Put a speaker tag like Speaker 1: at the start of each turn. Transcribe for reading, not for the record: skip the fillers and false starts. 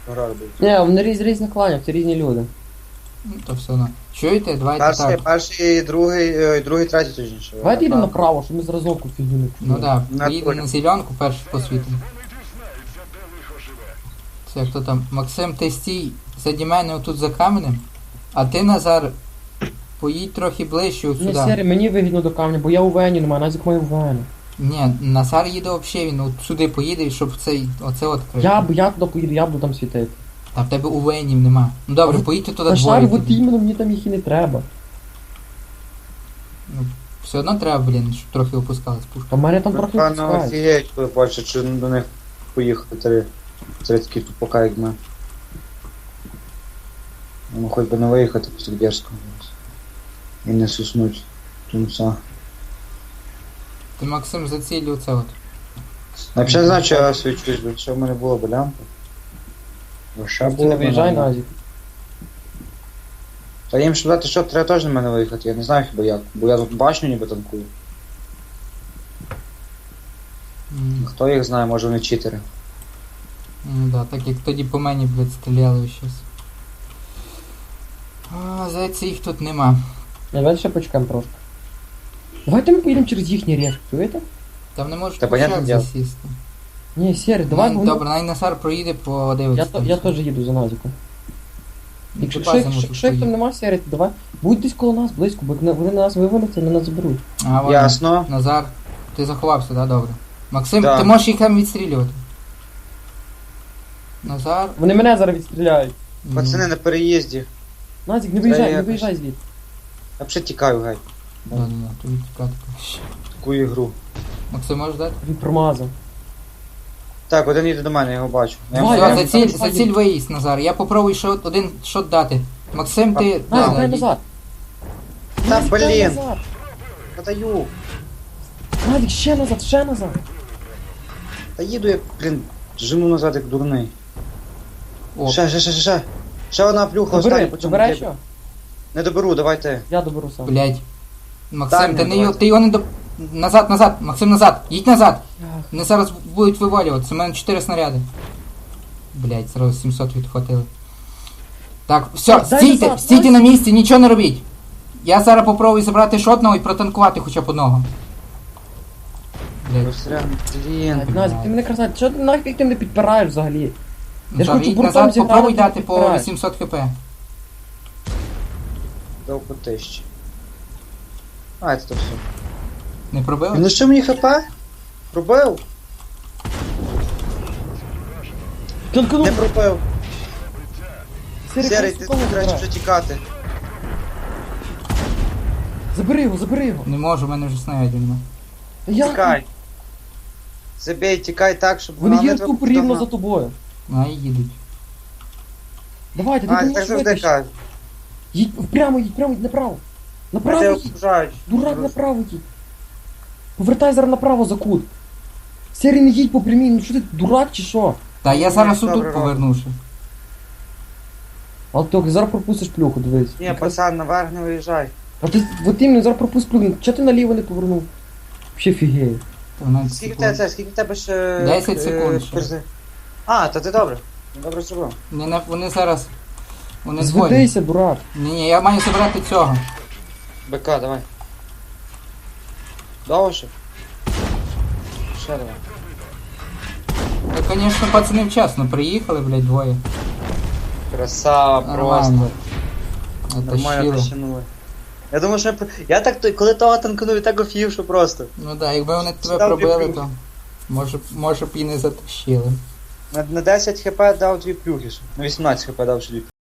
Speaker 1: грали будуть.
Speaker 2: Ні, вони різні кланів, це різні люди.
Speaker 3: Ну, то все одно. Чуєте? Давайте так.
Speaker 1: Перший, другий, третій точніше.
Speaker 2: Давайте йдемо направо, щоб ми зразу фігню не
Speaker 3: Ну
Speaker 2: купили.
Speaker 3: да, поїдемо на зеленку, перший посвітимо. Це хто там? Максим, ти стій заді мене отут за каменем, а ти, Назар, поїдь трохи ближче от
Speaker 2: Ні,
Speaker 3: сюди.
Speaker 2: Сері, мені вигідно до камня, бо я у Вені немає, Назік має у Вені.
Speaker 3: Ні, Назар їде взагалі, він от сюди поїде, щоб оце відкрити.
Speaker 2: Я туди поїду, я буду там світити.
Speaker 3: Та в тебе у Венів нема. Ну добре, поїдьте туди
Speaker 2: Та
Speaker 3: двоє.
Speaker 2: шар, от
Speaker 3: тоді.
Speaker 2: іменно, мені там їх і не треба.
Speaker 3: Ну, все одно треба, блін, щоб трохи опускалась пушка.
Speaker 2: А в мене там трохи
Speaker 1: Певно,
Speaker 2: пускають.
Speaker 1: офігеють, коли бачать, що до них поїхали три такі тупака, як ми. Ну, хоч би не виїхати після дерзкого. І не суснуть тунца.
Speaker 3: Ти, Максим, заціль оце от.
Speaker 1: Я взагалі не знаю, що я свічусь, бо що в мене було б лямпа. Лише
Speaker 2: Ти
Speaker 1: було
Speaker 2: не
Speaker 1: б
Speaker 2: виїжджай,
Speaker 1: нормально.
Speaker 2: Назік.
Speaker 1: Та їм щоб дати, що треба теж на мене виїхати, я не знаю хіба як, бо я тут башню ніби танкую. Хто їх знає, може вони читери.
Speaker 3: Ну да, так як тоді по мені, блядь, стріляли щось. А, здається, їх тут нема.
Speaker 2: Давайте ще почекаємо трошки. Давайте ми поїдемо через їхній рєш, чуєте?
Speaker 3: Там не можеш
Speaker 1: Та понятне
Speaker 3: пушак
Speaker 1: діло.
Speaker 3: засісти.
Speaker 2: Ні, Сері, давай,
Speaker 3: Ну,
Speaker 2: бо
Speaker 3: добре, най Назар проїде, подивиться.
Speaker 2: я теж їду за Назіком.
Speaker 3: Ну,
Speaker 2: Якщо
Speaker 3: ти базі можеш
Speaker 2: їх там
Speaker 3: поїхати.
Speaker 2: нема, Сері, то давай. Будь десь коло нас, близько, бо вони нас вивалиться, вони нас заберуть.
Speaker 3: А, вон,
Speaker 1: Ясно.
Speaker 3: Назар, ти заховався, да, добре. Максим,
Speaker 1: Да.
Speaker 3: ти можеш їх там відстрілювати. Назар.
Speaker 2: Вони мене зараз відстріляють.
Speaker 1: Пацани на переїзді.
Speaker 2: Назік, не
Speaker 1: Та
Speaker 2: виїжджай, не
Speaker 1: якось.
Speaker 2: виїжджай звідти.
Speaker 1: Я взагалі тікаю, гай.
Speaker 3: Да, тобі тікати краще.
Speaker 1: Таку ігру.
Speaker 3: Максим, можеш дати?
Speaker 2: Він промазав.
Speaker 1: Так, один їде до мене, я його бачу. Я
Speaker 2: Давай,
Speaker 1: йому-
Speaker 3: Все,
Speaker 2: я-
Speaker 3: заціль виїзд, Назар. Я попробую ще один шот дати. Максим, ти...
Speaker 2: Назік,
Speaker 3: да,
Speaker 2: дай
Speaker 3: йди.
Speaker 2: назад.
Speaker 1: Та
Speaker 2: Назік, дай
Speaker 1: блін!
Speaker 2: назад.
Speaker 1: Подаю!
Speaker 2: Назік, ще назад, ще назад.
Speaker 1: Та їду я, блін, жену назад як дурний.
Speaker 3: О,
Speaker 1: Ще. Ще одна плюха, остання
Speaker 2: Добери,
Speaker 1: по цьому
Speaker 2: добирай
Speaker 1: кліпі.
Speaker 2: що?
Speaker 1: Не доберу, давай ти.
Speaker 2: Я доберу сам.
Speaker 3: блядь. Максим,
Speaker 1: Дай
Speaker 3: ти,
Speaker 1: мені, давайте.
Speaker 3: ти його не до... Назад, Максим, назад. Їдь назад.
Speaker 2: Ах,
Speaker 3: Вони зараз будуть вивалюватися. У мене 4 снаряди. Блядь, зразу 700 відхватили. Так, все,
Speaker 2: Так, дай
Speaker 3: стійте,
Speaker 2: назад,
Speaker 3: стійте
Speaker 2: дай.
Speaker 3: на місці, нічого не робіть. Я зараз попробую забрати шотного і протанкувати хоча б одного. Блядь.
Speaker 1: Розстрілян, блін.
Speaker 2: так, Назік, ти мене красавець, що ти нафіг ти мене підпираєш взагалі? Я ж
Speaker 3: Ну,
Speaker 2: хочу
Speaker 3: їдь
Speaker 2: буртом
Speaker 3: назад,
Speaker 2: зіграти,
Speaker 3: попробуй
Speaker 2: ти
Speaker 3: дати по
Speaker 2: підпираєш.
Speaker 3: 800 хп.
Speaker 1: Дав по тисячі. А, це то все.
Speaker 3: Не пробили?
Speaker 1: Ну що мені хп? Пробив?
Speaker 2: Танканув.
Speaker 1: Не пробив.
Speaker 2: Сері,
Speaker 1: Серий,
Speaker 2: хай
Speaker 1: ти
Speaker 2: сукому
Speaker 1: краще
Speaker 2: забирай.
Speaker 1: вже тікати.
Speaker 2: Забери його, забери його.
Speaker 3: Не можу, в мене вже снарядів нема.
Speaker 2: Та я-
Speaker 1: Тікай. Забей, тікай так, щоб
Speaker 2: Вони
Speaker 1: нам не
Speaker 2: є
Speaker 1: треба
Speaker 2: тупо рівно
Speaker 1: потім-
Speaker 2: за тобою.
Speaker 3: А, і їдуть.
Speaker 2: Давайте,
Speaker 1: А,
Speaker 2: ти
Speaker 1: так
Speaker 2: можеш
Speaker 1: завжди
Speaker 2: витащити.
Speaker 1: кажуть.
Speaker 2: Їдь, прямо їдь, направо. Направо
Speaker 1: Мене
Speaker 2: їдь.
Speaker 1: ображають.
Speaker 2: Дурак, направо їдь. Повертай зараз направо за кут. Сері, не їдь по прямій, ну що ти, дурак чи що?
Speaker 3: Та я зараз
Speaker 1: добре,
Speaker 3: отут повернувши.
Speaker 2: Але ти зараз пропустиш плюху, дивись.
Speaker 1: Ні, пацан, наверх не виїжджай.
Speaker 2: А ти, от іменно, зараз пропустиш плюху. Чого ти наліво не повернув? Вообще фігею.
Speaker 3: 12
Speaker 1: Скільки в
Speaker 3: секунд.
Speaker 1: тебе це? Скільки в тебе ще...
Speaker 3: 10 секунд ще.
Speaker 1: перзи? А, то ти добре. Добре зробив.
Speaker 3: Вони зараз... Вони двоє.
Speaker 2: Зведися, дурак.
Speaker 3: Ні, я маю забрати цього.
Speaker 1: БК, давай. Довше? Ще давай.
Speaker 3: Та, звісно, пацани вчасно приїхали, блядь, двоє.
Speaker 1: Красава,
Speaker 3: Нормально.
Speaker 1: просто. Нормально
Speaker 3: Оттащили.
Speaker 1: тащанули. Я думаю, що я так, коли того танканув, я так офігів, що просто.
Speaker 3: Ну да, якби вони тебе
Speaker 1: Став
Speaker 3: пробили,
Speaker 1: плюхи.
Speaker 3: то може б і не затащили.
Speaker 1: На 10 хп дав 2 плюхи. На 18 хп дав ще 2